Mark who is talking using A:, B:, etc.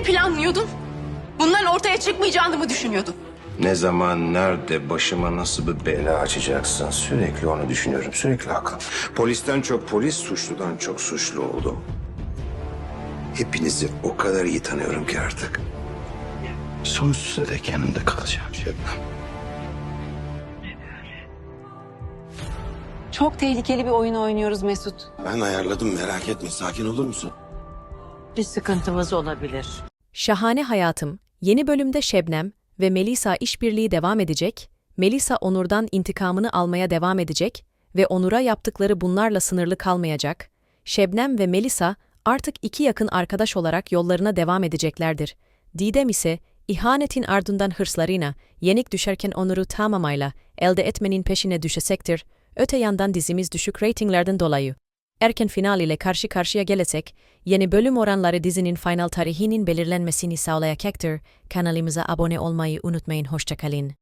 A: Ne planlıyordun? Bunların ortaya çıkmayacağını mı düşünüyordun?
B: Ne zaman, nerede, başıma nasıl bir bela açacaksın? Sürekli onu düşünüyorum, sürekli akıl. Polisten çok polis, suçludan çok suçlu oldum. Hepinizi o kadar iyi tanıyorum ki artık. Sonsuza dek yanında kalacağım Şebnem.
C: Çok tehlikeli bir oyun oynuyoruz Mesut.
D: Ben ayarladım, merak etme. Sakin olur musun?
C: Bir sıkıntımız olabilir.
E: Şahane Hayatım, yeni bölümde Şebnem ve Melisa işbirliği devam edecek, Melisa Onur'dan intikamını almaya devam edecek ve Onur'a yaptıkları bunlarla sınırlı kalmayacak. Şebnem ve Melisa artık iki yakın arkadaş olarak yollarına devam edeceklerdir. Didem ise ihanetin ardından hırslarına yenik düşerken Onur'u tamamayla elde etmenin peşine düşecektir. Öte yandan dizimiz düşük reytinglerden dolayı erken final ile karşı karşıya gelecek, yeni bölüm oranları dizinin final tarihinin belirlenmesini sağlayacaktır. Kanalımıza abone olmayı unutmayın. Hoşça kalın.